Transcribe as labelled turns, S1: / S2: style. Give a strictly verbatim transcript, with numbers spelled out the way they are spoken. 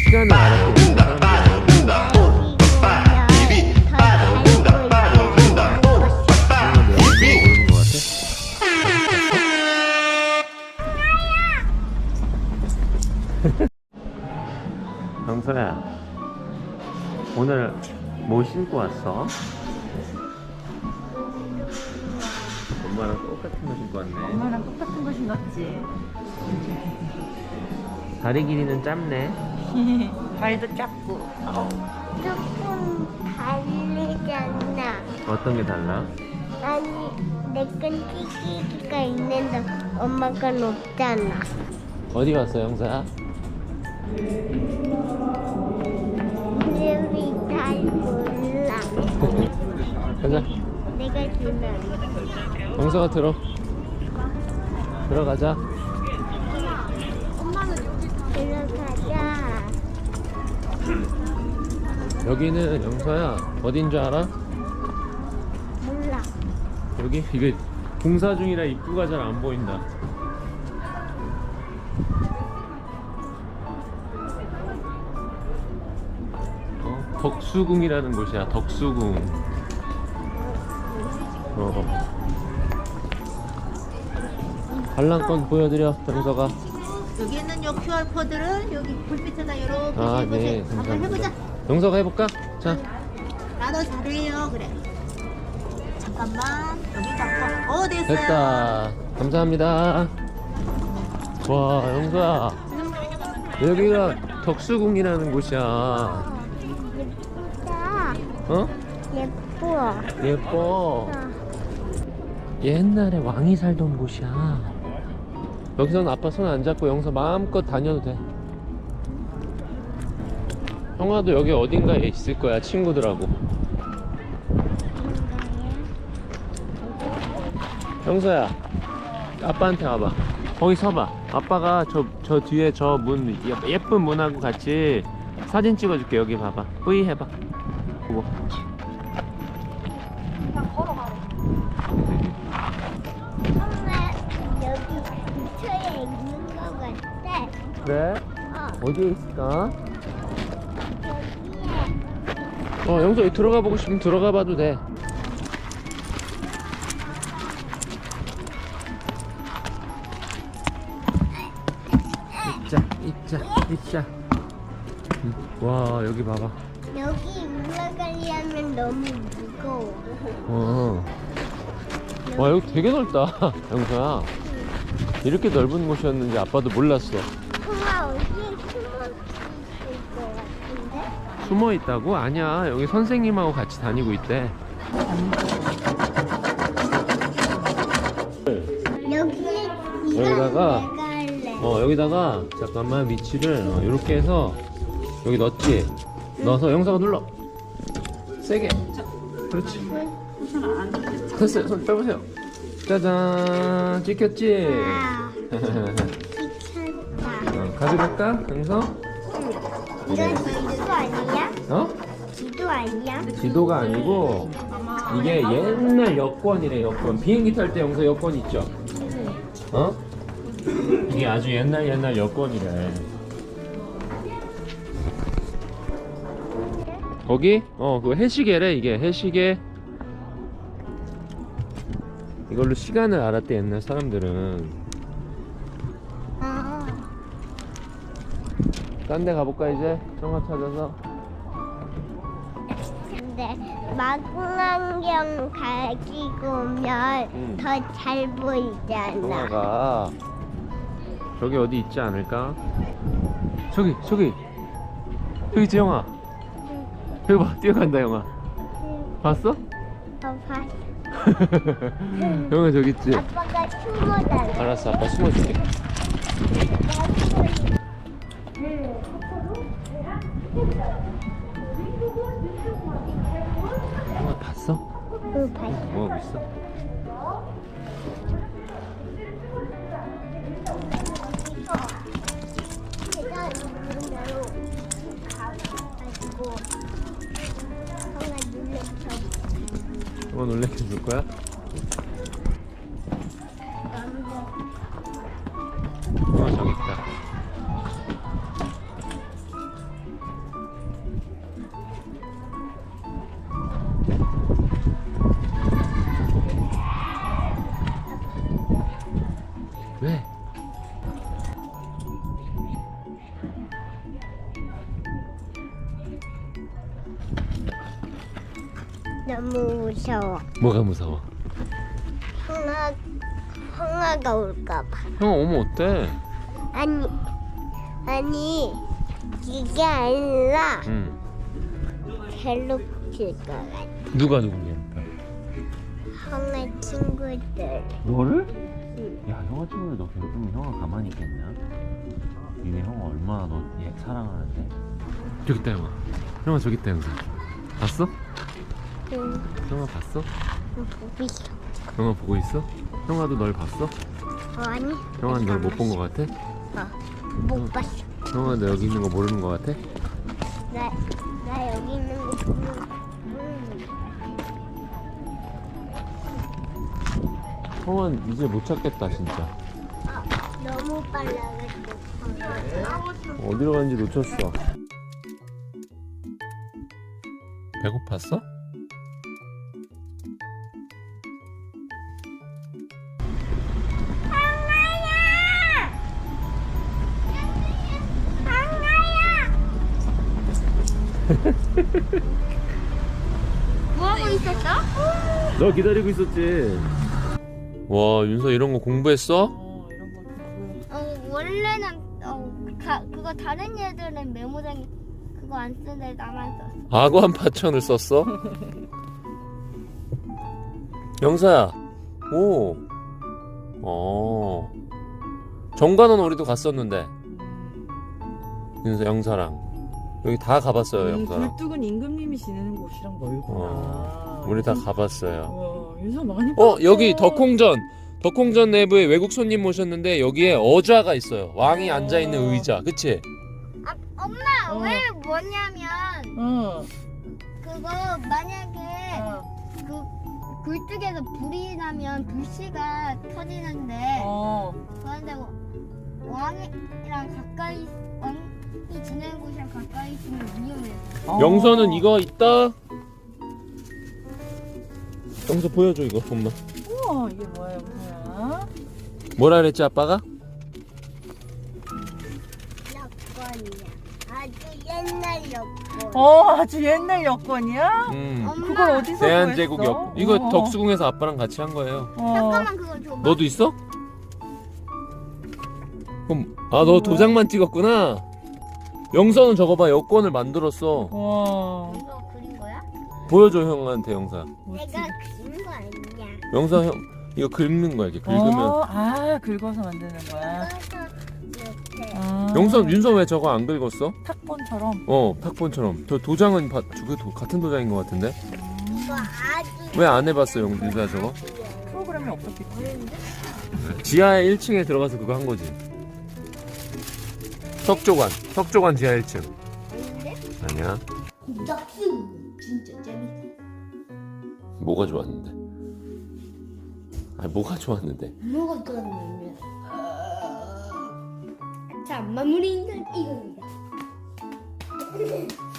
S1: 시간을 알았대. 영서야, 오늘 뭐 신고 왔어? 엄마랑 똑같은 거 신고 왔네.
S2: 엄마랑 똑같은 거 신었지.
S1: 다리 길이는 짧네.
S2: 발도 작고.
S3: 조금 다르잖아.
S1: 어떤 게 달라?
S3: 아니, 내 건 찌개기가 있는데 엄마 건 없잖아.
S1: 어디 갔어, 영서야?
S3: 이름이 잘 몰라.
S1: 가자.
S3: 내가 주면
S1: 영서가 들어. 들어가자.
S3: 들어가자.
S1: 여기는 영서야 어딘 줄 알아?
S3: 몰라.
S1: 여기 이게 공사 중이라 입구가 잘 안 보인다. 어? 덕수궁이라는 곳이야. 덕수궁. 어. 관람권 보여드려, 영서가.
S2: 여기 있는 요 큐알 코드를 여기 불빛에다 이렇게
S1: 아,
S2: 해보세요.
S1: 네.
S2: 한번
S1: 감사합니다.
S2: 해보자.
S1: 영서가 해볼까? 자.
S2: 나도 잘해요. 그래. 잠깐만. 여기 잡고. 어, 됐어요.
S1: 됐다. 감사합니다. 와, 영서야. 여기가 덕수궁이라는 곳이야.
S3: 예쁘다.
S1: 어?
S3: 예뻐.
S1: 예뻐.
S3: 어.
S1: 옛날에 왕이 살던 곳이야. 여기서는 아빠 손 안 잡고 영서 마음껏 다녀도 돼. 형아도 여기 어딘가에 있을 거야, 친구들하고. 영서야, 아빠한테 와봐. 거기 서봐. 아빠가 저, 저 뒤에 저 문, 예쁜 문하고 같이 사진 찍어줄게. 여기 봐봐. 뿌이 해봐. 보고.
S3: 엄마, 여기 근처에 있는 거 같아.
S1: 그래?
S3: 어,
S1: 어디에 있을까?
S3: 여기에.
S1: 어, 영서 여기 들어가 보고 싶으면 들어가 봐도 돼. 있자, 있자, 있자. 응. 와, 여기 봐봐.
S3: 여기 올라가려면 너무 무거워.
S1: 어. 와, 여기 되게 넓다, 영서야. 이렇게 넓은 곳이었는지 아빠도 몰랐어.
S3: 엄마, 어디에 숨어 있을 것 같은데?
S1: 숨어 있다고? 아니야. 여기 선생님하고 같이 다니고 있대.
S3: 여기에
S1: 여기다가
S3: 내가 할래.
S1: 어, 여기다가 잠깐만 위치를 어, 이렇게 해서 여기 넣었지? 넣어서 영서가 눌러. 세게. 그렇지. 됐어요. 손 빼보세요. 짜잔. 찍혔지?
S3: 와, 귀찮다.
S1: 어, 가져갈까? 영서?
S3: 이건 지도 아니야?
S1: 어?
S3: 지도 아니야?
S1: 지도가 아니고 이게 옛날 여권이래. 여권. 비행기 탈 때 영서 여권 있죠? 어? 이게 아주 옛날 옛날 여권이래. 거기? 어, 그거 해시계래. 이게 해시계. 이걸로 시간을 알았대, 옛날 사람들은.
S3: 어.
S1: 딴 데 가볼까 이제? 형아 찾아서.
S3: 근데 망원경 가지고 오면
S1: 응.
S3: 더 잘 보이잖아.
S1: 형아가 저기 어디 있지 않을까? 저기 저기 저기 있지, 형아. 여기 봐, 뛰어간다, 형아. 봤어?
S3: 어, 봤어.
S1: 형아 저기 있지?
S3: 아빠가 숨어달라.
S1: 알았어, 아빠 숨어줄게. 형아 봤어?
S3: 응, 봤어.
S1: 뭐하고 있어?
S3: 제가 누르면 가가지고 형아 눌러서
S1: 형아 놀래켜 줄 거야? 형아 저기 있다.
S3: 너무 무서워.
S1: 뭐가 무서워?
S3: 형아, 형아가 올까봐.
S1: 형 오면 어때?
S3: 아니, 아니, 이게 아니라
S1: 응.
S3: 괴롭힐 것 같아.
S1: 누가 누구냐?
S3: 형아 친구들.
S1: 너를?
S3: 응.
S1: 야, 형아 친구들 너 괴롭히면 형아 가만히 있겠냐? 니네 형아 얼마나 너 얘 사랑하는데? 저기 있다 형아. 형아 저기 있다 형사. 봤어?
S3: 응.
S1: 형아 봤어?
S3: 보고 있어.
S1: 형아 보고 있어? 형아도 널 봤어?
S3: 어, 아니.
S1: 형아는 널 못 본 거 같아?
S3: 어, 못 봤어.
S1: 형아 너 여기 있는 거 모르는 거 같아?
S3: 나, 나 여기 있는 거 보면, 음.
S1: 형아 이제 못 찾겠다 진짜.
S3: 아, 너무 빨라가지고.
S1: 어디로 갔는지 놓쳤어. 배고팠어?
S3: 뭐하고 있었어?
S1: 너 기다리고 있었지. 와 윤서 이런 거 공부했어?
S4: 어 이런 거 공부해.
S3: 어, 원래는, 어, 가, 그거 다른 애들은 메모장에 그거 안 쓰는데 나만 썼어.
S1: 악어한 파천을 썼어? 영사야. 오. 어. 정관원 우리도 갔었는데. 윤서 영사랑 여기 다 가봤어요
S4: 음,
S1: 영사랑.
S4: 굴뚝은 임금님이 지내는 곳이랑 멀구나.
S1: 어. 우리 다 가봤어요.
S4: 와, 윤서 많이
S1: 어
S4: 봤어.
S1: 여기 덕홍전 덕홍전 내부에 외국 손님 모셨는데 여기에 어좌가 있어요. 왕이
S4: 어.
S1: 앉아 있는 의자, 그치?
S3: 아, 엄마,
S4: 어.
S3: 왜 뭐냐면,
S4: 어.
S3: 그거 만약에
S4: 어.
S3: 그 굴뚝에서 불이 나면 불씨가 터지는데,
S4: 어.
S3: 그런데 왕이랑 가까이, 왕이 지내는 곳이랑 가까이 있으면 위험해.
S4: 어.
S1: 영서는 이거 있다. 영서 보여줘 이거 엄마.
S4: 우와 이게 뭐야 영서야?
S1: 뭐라 그랬지 아빠가?
S3: 여권이야. 아주 옛날 여권.
S4: 어 아주 옛날 여권이야?
S1: 음.
S3: 엄마,
S4: 그걸 어디서
S1: 대한제국
S4: 구했어?
S1: 역 이거
S4: 어.
S1: 덕수궁에서 아빠랑 같이 한 거예요.
S4: 어.
S3: 잠깐만 그거 줘봐.
S1: 너도 있어? 그럼 아 너 도장만 찍었구나. 영서는 저거 봐 여권을 만들었어.
S4: 와.
S3: 이거 그린 거야?
S1: 보여줘 형한테 영사.
S4: 멋지.
S3: 내가 그린 거 아니야.
S1: 영사 형 이거 긁는 거야 이렇게 긁으면.
S4: 어, 아 긁어서 만드는 거야.
S3: 그래서 이렇게.
S4: 아.
S1: 영서 윤서 왜 저거 안 긁었어?
S4: 탁본처럼.
S1: 어 탁본처럼. 저 도장은 바, 저게 도, 같은 도장인 것 같은데.
S3: 이거 아주.
S1: 왜 안 해봤어 영 윤서야 저거?
S4: 프로그램이 없었겠지.
S1: 지하에 일 층에 들어가서 그거 한 거지. 석조관 석조관 지하 일 층.
S3: 아닌데?
S1: 아니야.
S2: 덕수 진짜 재밌어.
S1: 뭐가 좋았는데? 아니 뭐가 좋았는데?
S2: 뭐가 좋았냐면 자 마무리는 이겁니다.